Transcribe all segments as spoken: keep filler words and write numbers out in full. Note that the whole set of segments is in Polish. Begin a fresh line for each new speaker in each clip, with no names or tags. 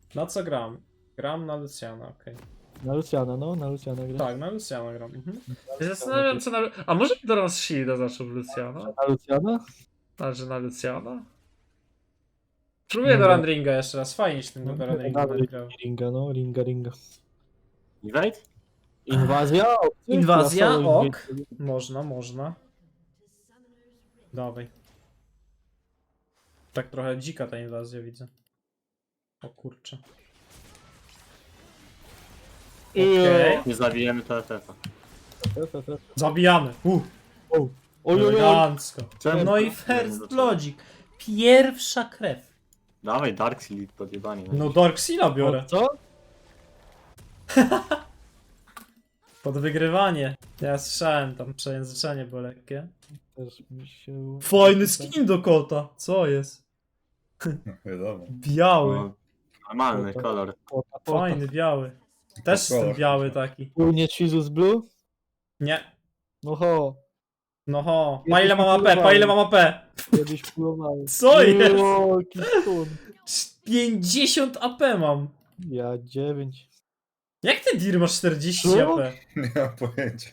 Na co gram? Gram na Luciana, okej.
Na Luciana, no, na Luciana gra.
Tak, na Luciana gram. Mhm.
Ja zastanawiam się na... A może teraz Shielda zaczął w Luciana?
Na Luciana?
Znaczy na Luciana? Próbuję
Nie
do
gra.
Landringa jeszcze raz. Fajnie się tym
No,
do Landringa
dawaj,
będzie grał.
Ringa, no, ringa, ringa.
Invade?
Inwazja? O, ty,
Inwazja?
ja solo
Ok.
inwazję.
Można, można. Dawaj. Tak trochę dzika ta inwazja widzę. O kurczę. Okej.
Nie zabijemy T F F-a.
Fe, fe, fe.
Zabijamy. Uh,
Oj, oj, oj.
elegancko.
Czemu?
No i first bloodzik. Pierwsza krew.
Dawaj, Dark Seal podjebanie.
No Dark Seala biorę.
O, co?
Pod wygrywanie. Ja słyszałem tam przejęzyczenie było lekkie.
Też mi się...
Fajny skin do kota. Co jest?
No, wiadomo.
Biały.
No, normalny
Kota.
kolor.
Kota, kota.
Fajny, biały. Też jestem
kolor.
biały taki.
Był nie Jesus Blue?
Nie.
No ho,
No ho. Pa ile mam A P? Pa ile mam A P?
kiedyś próbowałem.
Co jest?
O, jaki stun.
pięćdziesiąt A P mam.
Ja dziewięć.
Jak ty Dir masz czterdzieści
Co?
A P?
Nie mam pojęcia.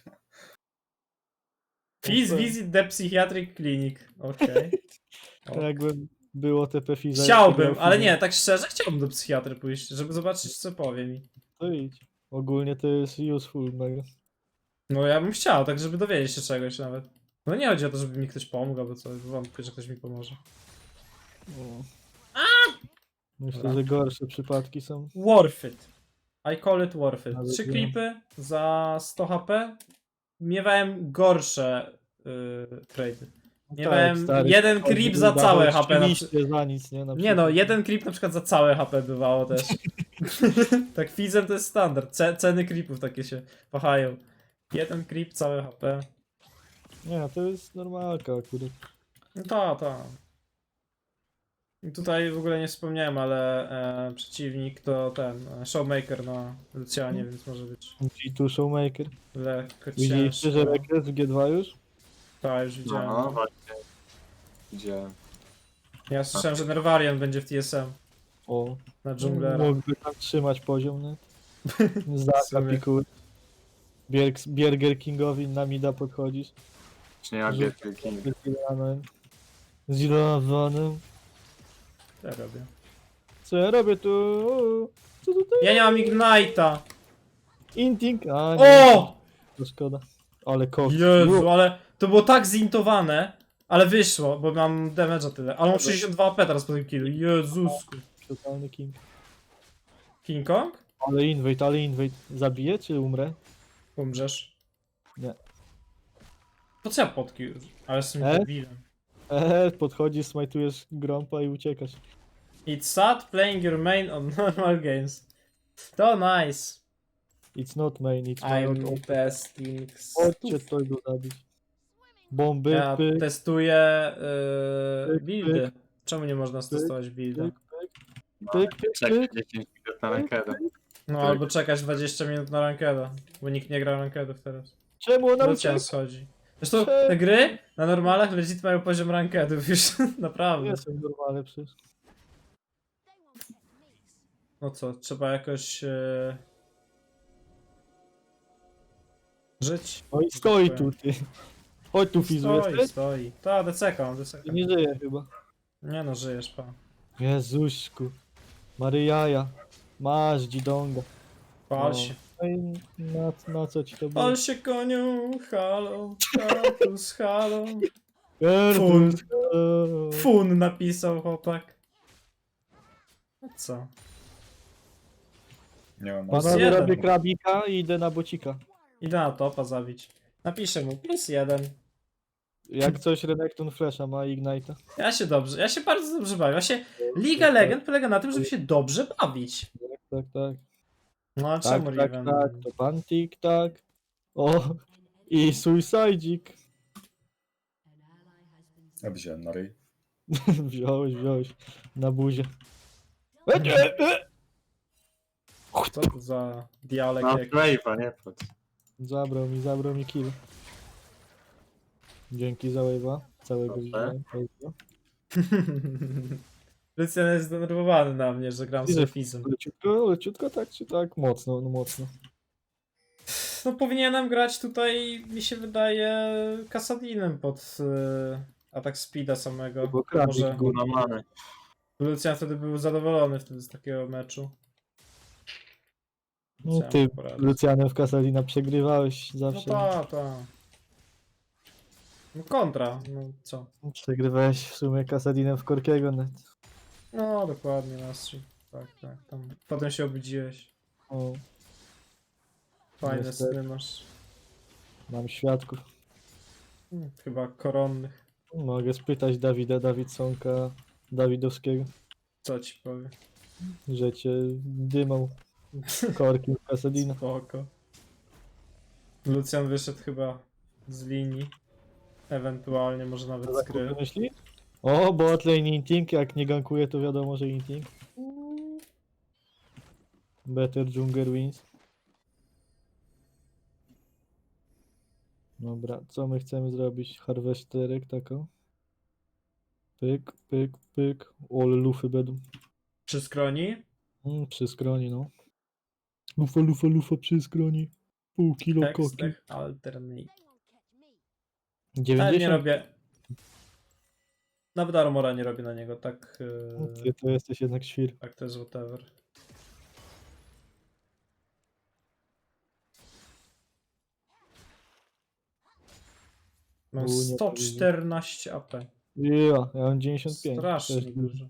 Please visit the psychiatric clinic. Okej. O.
Jakby było T P Fiza.
Chciałbym, ale nie, tak szczerze chciałbym do psychiatry pójść, żeby zobaczyć co powie mi.
To idź. Ogólnie to jest useful mega.
No ja bym chciał, tak żeby dowiedzieć się czegoś nawet. No nie chodzi o to, żeby mi ktoś pomógł albo coś, wątpię, że ktoś mi pomoże.
O. Myślę,
Dobra.
że gorsze przypadki są.
Worth it. I call it worth it.
Ale
Trzy
wiem.
klipy za sto H P. Miewałem gorsze yy, trady. Miewałem
Tak, stary,
jeden
chodzi,
creep za
dawał
całe H P. Na przy...
oczywiście za nic, nie? Na
Nie
przykład.
no, jeden creep na przykład za całe H P bywało też. Tak fizem to jest standard. Ce ceny creepów takie się wahają. Jeden creep, całe H P.
Nie, to jest normalka akurat.
No ta, ta. I tutaj w ogóle nie wspomniałem, ale e, przeciwnik to ten e, Showmaker na Lucianie, więc może być
G two Showmaker.
lekko
Widzieliście, że
ciężko.
rekres w G dwa już?
Tak, już widziałem.
No, właśnie. Gdzie?
Ja słyszałem, że Nervarian będzie w T S M
O,
na dżunglera.
mógłby tam trzymać poziom, nie? Zdaka
sobie.
pikuły. Bierg- Bierger Kingowi na mida podchodzisz.
Czy nie jak
Że-
Getty King?
Z Zilowanem. Z Zilowanem.
Co ja robię?
Co ja robię tu? Co tutaj?
Ja nie mam Ignite'a!
Inting? A, nie.
O!
To szkoda. Ale koks.
Jezu, ale to było tak zintowane, ale wyszło, bo mam damage'a tyle. Ale mam sześćdziesiąt dwa A P teraz po tym killu. Jezusku.
Totalny king.
King Kong?
Ale invade, ale invade. Zabiję czy umrę?
Umrzesz.
Nie.
Po co ja potki? Ale jestem
E?
debilem.
Ehe, podchodzisz, smajtujesz grompa i uciekasz.
It's sad playing your main on normal games. To nice.
It's not main, it's
I'm
not.
testing
Chodźcie
stuff.
to go zabić. Bomby,
Ja
pyk,
testuję yy,
Pyk,
buildy. Czemu nie można stestować builda?
pyk, pyk, pyk, pyk,
Czekaj
pyk.
dziesięć minut na rankedę.
No
Tak.
albo czekać dwadzieścia minut na rankeda, bo nikt nie gra rankedów teraz.
Czemu ona
Na
ucieka?
cię schodzi. Zresztą
Czemu?
te gry na normalach legit mają poziom rankedów już, naprawdę.
Nie są normalne przecież.
No co, trzeba jakoś yy... żyć.
No i stoi tu, ty. Chodź tu, Fizu,
Stoi,
jesteś?
stoi. Ta, deceka, mam deceka.
Ty nie żyje chyba.
Nie no, żyjesz, pa.
Jezuśku. Maryjaja. Masz, dzidonga.
Pal
No.
się.
No i na, na co ci to było?
Pal się koniu, halo, Kartus, halo.
Fun.
Fun napisał chłopak. No co?
Nie mam
Plus
Panowie,
jeden.
robię krabika i idę na bocika.
Idę na topa zabić. Napiszę mu plus jeden.
Jak coś Renekton Flasha ma Ignite'a.
Ja się dobrze, ja się bardzo dobrze bawię. Ja się... Liga Legend polega na tym, żeby się dobrze bawić.
Tak, tak.
No a
Tak,
czemu
tak,
Riven?
tak. To pan tik tak. O. I Suicide'ik.
Ja wziąłem na ryj.
Wziąłeś, wziąłeś. Na buzie.
Co to za dialekt
No,
jak...
Wave'a, nie pod.
Zabrał mi, zabrał mi kill. Dzięki za wave'a. Całego
Proszę.
widziałem. Pozdro.
Lucian jest zdenerwowany na mnie, że gram z
Ile?
Refizem.
Leciutko, leciutko tak czy tak? Mocno, no mocno.
No powinienem grać tutaj, mi się wydaje, Kasadinem pod y, atak speeda samego.
Bo krawik
Może
go-
Guna mamy.
Lucian wtedy był zadowolony wtedy z takiego meczu.
No
Chciałem
ty,
poradzić.
Lucianem w Kasadina przegrywałeś
No
zawsze.
ta, ta. No kontra, no co?
Przegrywałeś w sumie Kasadinem w Korkiego net.
No dokładnie, Nastri. Tak, tak. Tam. Potem się obudziłeś.
O,
Fajne
Niestety.
sny masz.
mam świadków.
Hmm, chyba koronnych.
Mogę spytać Dawida Dawidsonka Dawidowskiego,
Co ci powiem?
że cię dymał korki w Kasadina.
Spoko. Lucian wyszedł chyba z linii. Ewentualnie może nawet z gry.
Myśli? O, botlane inting, jak nie gankuje to wiadomo, że inting. Better Junger wins. Dobra, co my chcemy zrobić? Harvesterek taką. Pyk, pyk, pyk. Ole lufy będą.
Przy skroni?
Mm, przy skroni, no. Lufa, lufa, lufa przy skroni. Pół kilo koki.
Tekstech alternate. Ale nie
dziewięćdziesiąt?
robię. Nawet armora nie robię na niego, tak.
Ty
Yy,
to jesteś jednak świr.
tak to jest whatever. Mam
U, nie
sto
powinien.
czternaście A P.
Ja, ja mam dziewięćdziesiąt pięć.
Strasznie
Też
dużo.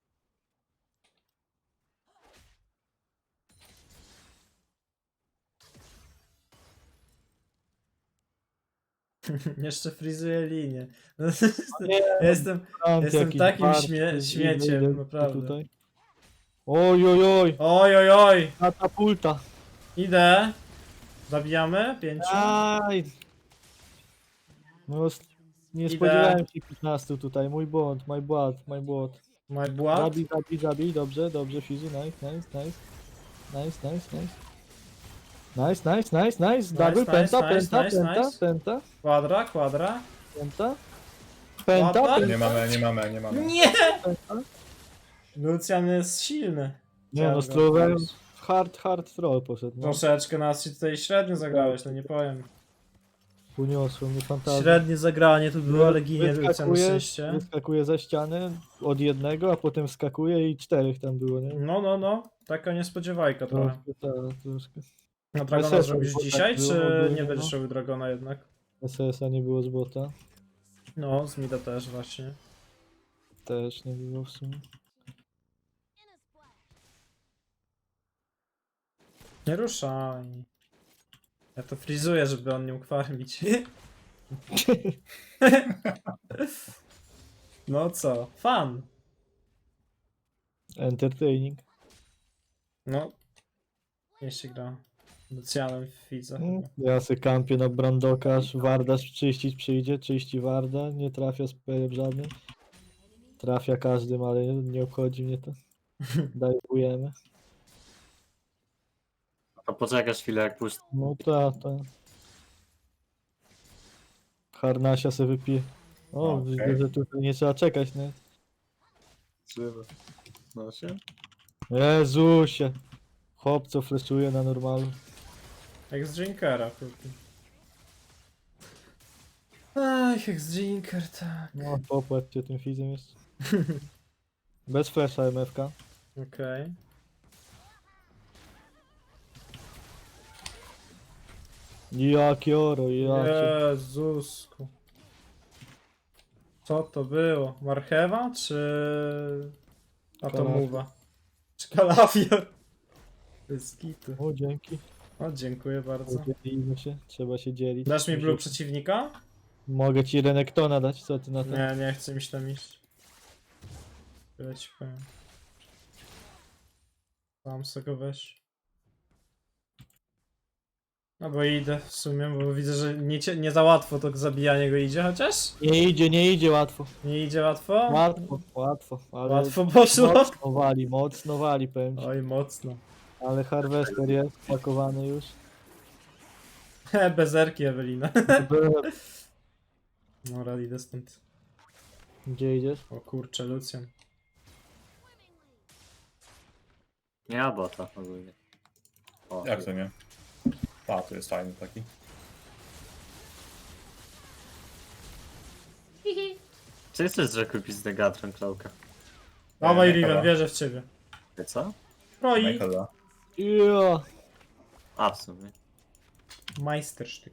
Jeszcze frizuję linię. No,
Nie,
ja jestem,
Ant
jestem
jakiś
takim
bart,
śmie-
ty,
śmieciem,
idę
naprawdę.
Tutaj. Oj, oj, oj.
oj, oj, oj!
Katapulta.
Idę. Zabijamy? Pięciu?
Aj. No, s- nie
Idę.
spodziewałem się piętnastu tutaj. Mój błąd, my błąd, my błąd.
My błąd?
Zabij, zabij, zabij. Dobrze, dobrze, Fizu. Nice, nice, nice. Nice, nice, nice. Nice, nice, nice, nice. Double,
nice,
penta,
nice,
penta,
nice,
penta,
nice.
penta,
Kwadra, kwadra.
penta. Penta,
Ładna?
Nie mamy, nie mamy, nie mamy.
Nie!
penta.
Lucian jest silny.
Nie no,
Chciałem go
strolowałem.
odpalić.
Hard, hard troll poszedł. No.
Troszeczkę nas się tutaj średnio zagrałeś, no nie powiem.
Uniosło mnie fantazję.
Średnie zagranie tu było, ale ginie Lucian na
Wyskakuje,
szczęście.
wyskakuje za ścianę od jednego, a potem skakuje i czterech tam było, nie?
No, no, no. Taka niespodziewajka trochę.
Troszkę, tak, troszkę.
Na Dragona
S S
zrobisz
bo tak
dzisiaj,
było
czy
ogólnie,
nie będziesz
no.
robił Dragona jednak?
S S a nie było z bota.
No, z Mida też właśnie.
Też nie było w sumie.
Nie ruszaj. Ja to frizuję, żeby on nie mógł farmić. No co? Fan.
Entertaining.
No. Nie się gra. Lucianem w Fidze
Mm,
chyba.
Ja se kampię na Brandoka, aż Warda czyścić przyjdzie, czyści Warda, nie trafia z perem żadnym. Trafia każdym, ale nie obchodzi mnie to. Dajujemy.
To poczekasz chwilę jak puść.
No ta, ta. Harnasia se wypije. O,
Okej.
widzę, że tutaj nie trzeba czekać, nie?
No się.
Jezusie. Chłop, co fleszuje na normalu.
Jak z Drinkera, kurde. Ach, jak z Drinker, tak.
No, popłacz cię tym fizem jeszcze. Bez flasha M F K.
Okej.
Jakie oro, jakie.
Jezusku. Co to było? Marchewa czy atomowa? Czy kalafior? Bez kitu.
O, dzięki.
O, dziękuję bardzo.
Dzielimy się, trzeba się dzielić.
Dasz mi blue przeciwnika?
Mogę ci Renektona dać, co ty na to?
Nie, nie chcę mi się tam iść. Tyle ci powiem. Sam sobie go weź. No bo idę w sumie, bo widzę, że nie, cie- nie za łatwo to zabijanie go idzie, chociaż?
Nie idzie, nie idzie łatwo.
Nie idzie łatwo?
Łatwo, łatwo, ale
Łatwo poszło?
mocno wali, mocno wali powiem ci.
Oj, mocno.
Ale Harvester jest pakowany już.
He, bezerki Ewelina. No, rad idę stąd.
Gdzie idziesz?
O kurczę, Lucian.
Nie ma bota ogólnie. O,
Jak to nie? A, to jest fajny taki.
Czy jesteś, że kupić z Negatron Klauka?
Dawaj,
Nie,
Riven,
chyba.
wierzę w ciebie.
Ty co?
Roi.
Michaela.
Ja.
A, w sumie.
Majstersztyk.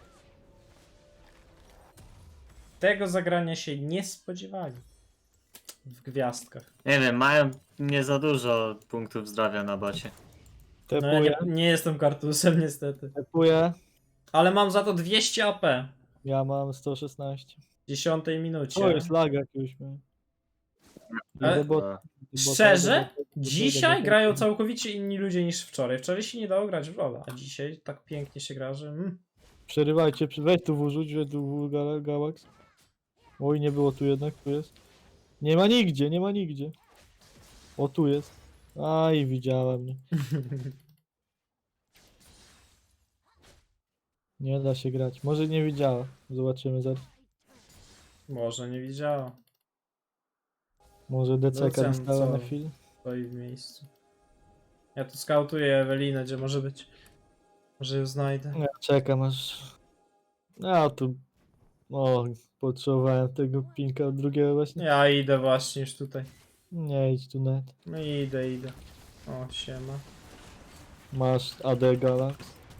Tego zagrania się nie spodziewali. W gwiazdkach.
Nie wiem, mają nie za dużo punktów zdrowia na bocie.
No ja
Tepuję,
nie, nie jestem kartusem niestety.
tepuję.
Ale mam za to dwieście A P.
Ja mam sto szesnaście.
W dziesiątej minucie.
O, jest lag jakiś. miałem.
Ale-
Idę bot-
E,
do bota,
Szczerze?
do bota, do bota,
Dzisiaj
do bota.
grają całkowicie inni ludzie niż wczoraj. Wczoraj się nie dało grać w LoL'a, a dzisiaj tak pięknie się gra, że... Mm.
Przerywajcie, przy- weź tu wrzuć, weź tu w Gal- Galax. Oj, nie było tu jednak, tu jest. Nie ma nigdzie, nie ma nigdzie. O, tu jest. Aj, widziała mnie. Nie da się grać. Może nie widziała. Zobaczymy zaraz.
Może nie widziała.
Może D C K
Lucian,
dostała na
co?
chwilę.
Stoi w miejscu. Ja tu skautuję Ewelinę, gdzie może być. Może ją znajdę.
Ja czekam aż... Ja tu... O, potrzebowałem tego pinka drugiego właśnie.
Ja idę właśnie już tutaj.
Nie idź tu net.
No idę, idę. O, siema.
Masz A D Galax.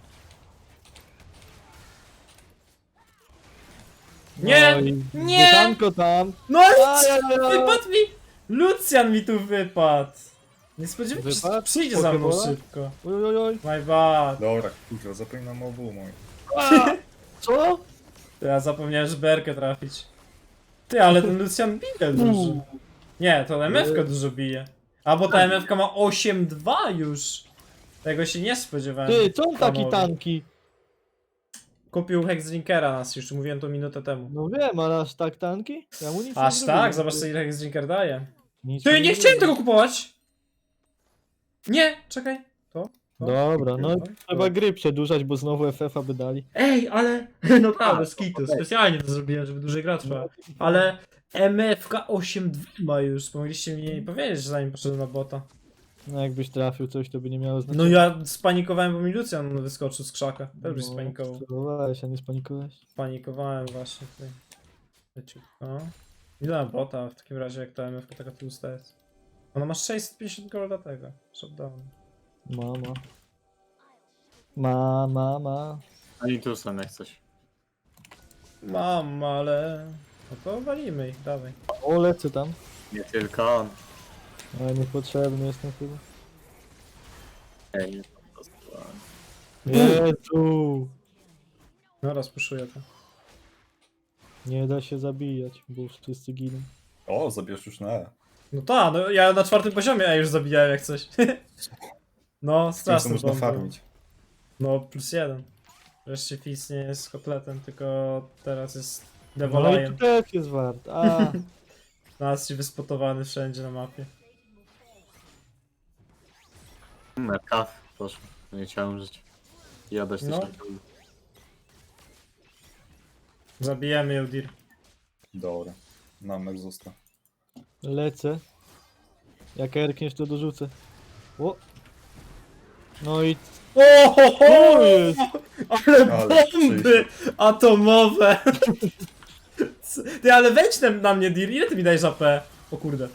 Nie!
No i
Nie!
Tanko tam!
No ale
Ajajaj.
wypadł mi! Lucian mi tu wypadł! Nie spodziewałem się, że
Wypadł?
przyjdzie za mną
Pokebola?
szybko.
Oj, oj, oj.
My bad.
Dobra, kurwa, zapominam o obu mój.
Co?
To ja zapomniałem, że berkę trafić. Ty, ale ten Lucian bije dużo. Nie, to M F-ka dużo bije. A bo ta M F-ka ma osiem dwa już. Tego się nie spodziewałem.
Ty, co on taki
panowie.
tanki?
Kupił Hexdrinkera nas, już mówiłem to minutę temu.
No wiem, ale aż tak tanki? Ja mu nic nie
Aż
zrobiłem.
tak? Zobacz co ile Hexdrinker daje.
Nic
Ty,
mu
nie chciałem
zrobiłem.
tego kupować! Nie, czekaj. To? to?
Dobra, no
to,
trzeba
to.
gry przedłużać, bo znowu F F a by dali.
Ej, ale naprawdę, skitu, specjalnie to zrobiłem, żeby dłużej gra trwała. Ale M F-ka osiem dwa ma już, mogliście mi powiedzieć, zanim poszedłem na bota.
No jakbyś trafił coś, to by nie miało znaczenia.
No ja spanikowałem, bo mi Lucian wyskoczył z krzaka. Też byś
No,
spanikował.
spróbowałeś, a nie spanikowałeś.
Spanikowałem właśnie tutaj. Leciutko. Ile na bota w takim razie, jak ta M F-ka taka tłusta jest? Ona ma sześćset pięćdziesiąt golda tego. Shutdown.
Mama. Ma, ma, ma.
Oni tu są jak coś.
Mam, ale... No to walimy ich, dawaj.
O, lecę tam.
Nie tylko on.
Ale niepotrzebny jestem chyba.
Ej, nie, po prostu, a-
Jezu!
No rozpuszuję to.
Nie da się zabijać, bo wszyscy giną.
O, zabierz już na E.
No tak, no ja na czwartym poziomie A już zabijałem jak coś. No,
Z tym co
straszny
można
bomb.
farmić.
No, plus jeden. Wreszcie Fizz nie jest kotletem, tylko teraz jest
No i
Devolajem.
tu też jest wart. A,
Teraz się wyspotowany wszędzie na mapie.
Na kaw poszło. Nie chciałem żyć. I oddać
No.
też na
Zabijemy ją, Dir.
Dobra. Nam Exhausta.
lecę. Jak erkniesz, to dorzucę. O! No i
O, ho, ho!
co jest?
Ale
Ale
bomby atomowe! Co- Ty, ale wejdź na, na mnie, Dir. Ile ty mi dajesz A P? O kurde.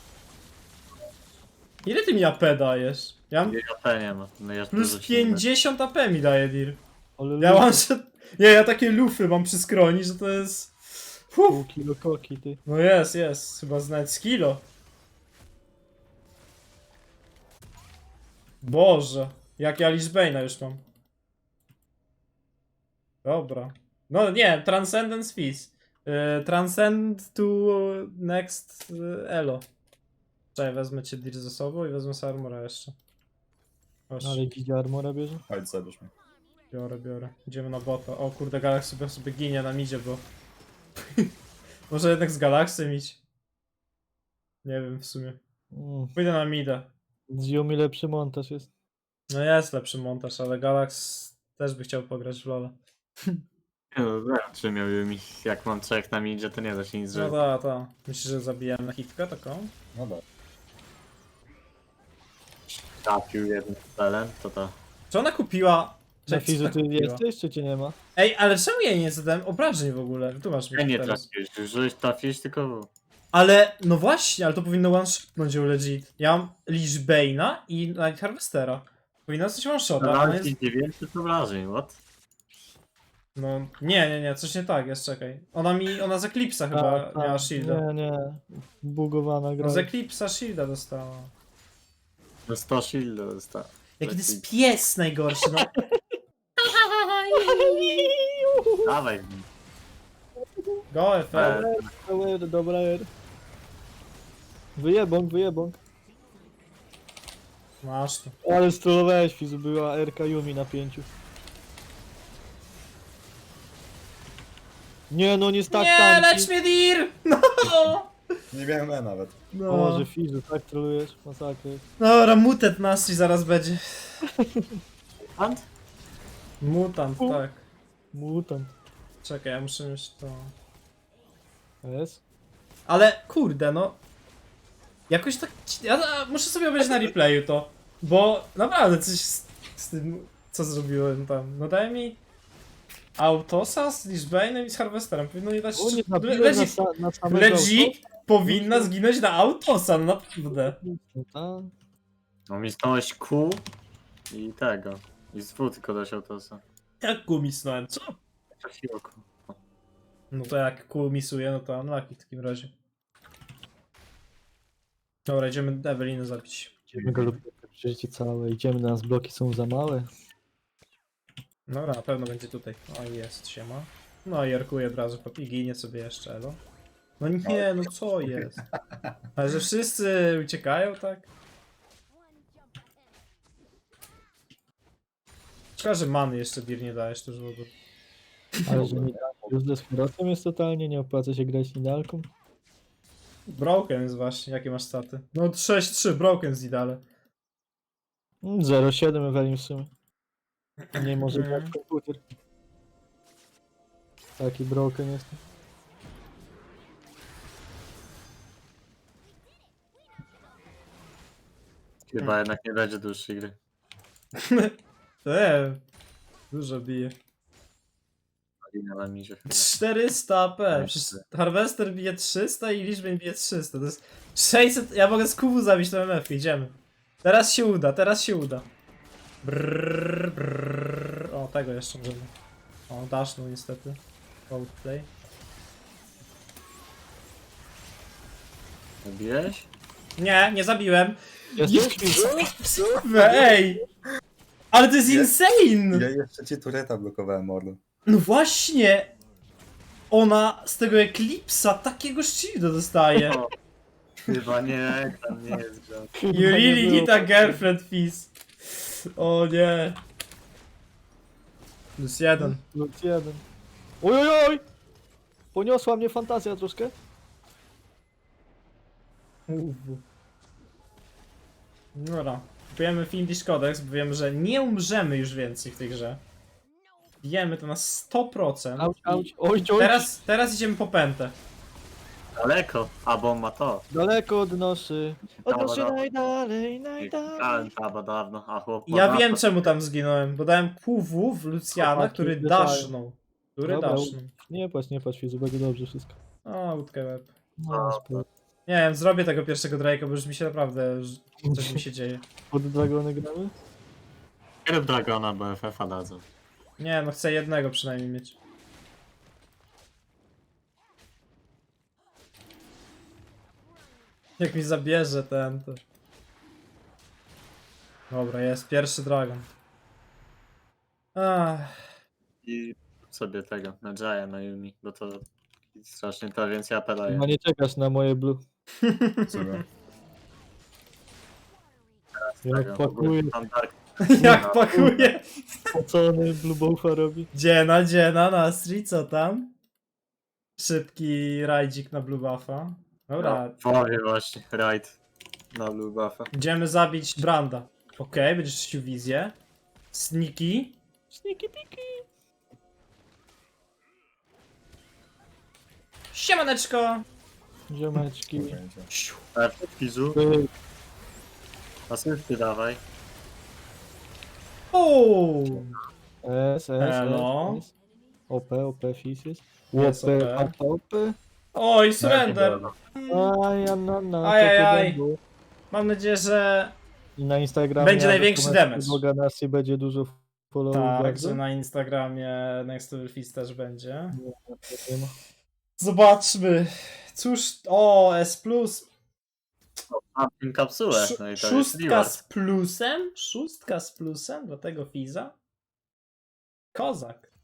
Ile ty mi A P dajesz? Ja mam
Nie, A P nie ma. No ja
plus
dużo się nie da.
pięćdziesiąt A P mi daje, Dir.
Ale
Ja mam, że... Nie, ja takie lufy mam przy skroni, że to jest... Fuh.
pół kilo koki, ty.
No jest, jest. Chyba znać z kilo. Boże. Jak ja Lichbane'a już mam. Dobra. No nie, Transcendence Fizz. Yy, transcend to next yy, elo. Czekaj, wezmę cię Dir ze sobą i wezmę sobie armora jeszcze. Chodź,
Ale gdzie armora bierze?
Chodź, zabierz mnie.
biorę, biorę. Idziemy na bota. O kurde, Galax sobie, sobie ginie na midzie, bo... Może jednak z Galaxem iść. Nie wiem w sumie.
Mm.
Pójdę na mida.
Z Yumi lepszy montaż jest.
No jest lepszy montaż, ale Galax też by chciał pograć w LoL'a.
Nie, no wiem, czy miał mi. Jak mam trzech na midzie, to nie da się nic
No
zrobić.
ta, ta. Myślisz, że zabijamy hitkę taką?
No dobra.
trafił jednym celem, to to.
Czy ona kupiła...
Na
Czekaj, co
fizu
ona
ty
kupiła?
jesteś, czy cię nie ma?
Ej, ale czemu ja jej nie zadałem obrażeń w ogóle? Tu masz
Ja
mi
nie
teraz.
trafiłeś, już trafiłeś tylko w.
Ale, no właśnie, ale to powinno one-shotnąć ją legit. Ja mam Lich Bane'a i Night Harvestera. Powinna coś one-shota, a ona
Dodałeś
jest...
ci dziewięćset obrażeń, what?
No, nie, nie, nie, coś nie tak jest, czekaj. Ona mi, ona z Eclipse'a chyba
Tak,
miała
tak.
shielda.
Nie, nie. Bugowana gra.
No z Eclipse'a shielda dostała.
No sto shield dostał.
Jaki to jest pies najgorszy, no.
Dawaj.
Go F L.
Dobra, R, dobra R. Wyjebąk, wyjebąk.
Masz tu.
Ale strollowałeś fizu, była R K Yumi na pięciu. Nie no, nie jest tak
Nie,
tanki.
lecz mnie Dir! No!
Nie miałem E nawet.
O
No.
Boże, fizu, tak trolujesz, masakra.
Dobra, mutet Nastri zaraz będzie.
Ant?
Mutant,
U.
tak.
Mutant.
Czekaj, ja muszę mieć to.
Jest?
Ale kurde, no. Jakoś tak. Ja muszę sobie obejrzeć na replayu to. Bo naprawdę coś z, z tym, co zrobiłem tam. No daj mi. Autosa z Lichbane'em i z Harvesterem. Powinno nie dać.
O, nie
Le-
nabiłem na,
Legit,
sa na samego
legit powinna zginąć na Autosa, no naprawdę.
auta.
No mi stałeś Q i tego. I z W tylko dosiał to co.
Jak kumisnąłem, co?
Trafiło Q.
No to jak kół misuje, no to unlucky w takim razie. Dobra, idziemy Ewelinę zabić.
Idziemy go lubię przeżycie całe, idziemy, nas bloki są za małe.
Dobra, na pewno będzie tutaj. O, jest, siema. No i jarkuję od razu pod i ginie sobie jeszcze, elo. No nie, no co jest? Ale że wszyscy uciekają, tak? Szkoda, że many jeszcze Dir nie dajesz, to już w ogóle.
Ale że useless herotem jest totalnie, nie opłaca się grać nidalką.
Broken jest właśnie, jakie masz staty? No sześć trzy, Broken z Idale.
Mm, zero siedem Evelyn w sumie. Nie może
Mhm.
grać komputer. Taki broken jest.
Chyba jednak nie będzie dłuższej gry.
Eee, dużo bije.
Marina mi się chyba.
czterysta A P. Przecież Harvester bije trzysta i Lichbane bije trzysta. To jest sześćset. Ja mogę z kubu zabić tą M F. Idziemy. Teraz się uda, teraz się uda. Brrr, brrr. O, tego jeszcze możemy. O, dashnął niestety. Outplay.
Zabiłeś?
Nie, nie zabiłem.
Jesteś?
Ej! Ale to jest
Nie.
insane!
Ja jeszcze ci tureta blokowałem, mordo.
No właśnie! Ona z tego Eclipse'a takiego shielda dostaje.
O, chyba nie, tam nie jest gra.
You really need a girlfriend, Fizz. O nie. Plus jeden.
Plus jeden. Oj, oj, oj! Poniosła mnie fantazja troszkę.
Dobra. Kupujemy Fiendish Codex, bo wiemy, że nie umrzemy już więcej w tej grze. Wiemy to na sto procent.
Auć,
I
auć, oj, oj.
Teraz, teraz idziemy po pętę.
Daleko, a bo on ma to.
Daleko odnoszy. Odnoszy
Dobra.
najdalej, najdalej.
Dałem taba dawno, a chłop ma
Ja
dwa-
wiem czemu tam zginąłem, bo dałem Q W w Luciana,
Chłopaki
który
pytają.
dasznął. Który
Dobra,
dasznął.
Nie płacz, nie płacz, Fizu, będzie dobrze wszystko.
O, łódkę web.
No, spoko.
Nie wiem, zrobię tego pierwszego Drake'a, bo już mi się naprawdę, że coś mi się dzieje.
Pod dragony gramy?
Nie rób Dragona, bo F F a dadzą.
Nie, no chcę jednego przynajmniej mieć. Jak mi zabierze ten, to... Dobra, jest pierwszy dragon. Ach,
I sobie tego, na Jaya, na Yumi, bo to strasznie to więcej A P daje.
No nie czekasz na moje blue.
Sobie.
Jak
Tego,
pakuje,
tam Dark
jak pakuje.
spocony blue buffa robi.
Dziena, dziena, Nastri, co tam? Szybki rajdzik na blue buffa. Dobra,
No, powie właśnie, right. Na blue buffa.
idziemy zabić Branda. Okej, będziesz czyścił wizję. Sneaky.
Sniki piki.
Siemaneczko!
Ziomeczki.
Pojęcia.
Siu.
Perfekt, Kizu.
Ty,
Asysty dawaj.
O!
S, S,
Elo.
S, S. O P, O P, Fizz jest.
Jest
O P,
O P.
karta O P.
Oj, surrender!
Aj, ja, na, na,
Ajajaj.
to będzie.
Mam nadzieję, że
I na Instagramie
Będzie
ja
największy
wykonam
damage.
Bo Ganassi będzie dużo followów
tak,
bardzo.
że na Instagramie Next Level Fizz też będzie.
Nie ma.
Zobaczmy. Cóż, o, S plus.
Mam tym kapsułę.
Sz-
No i to jest
szóstka
reward.
z plusem? Szóstka z plusem do tego Fizza? Kozak.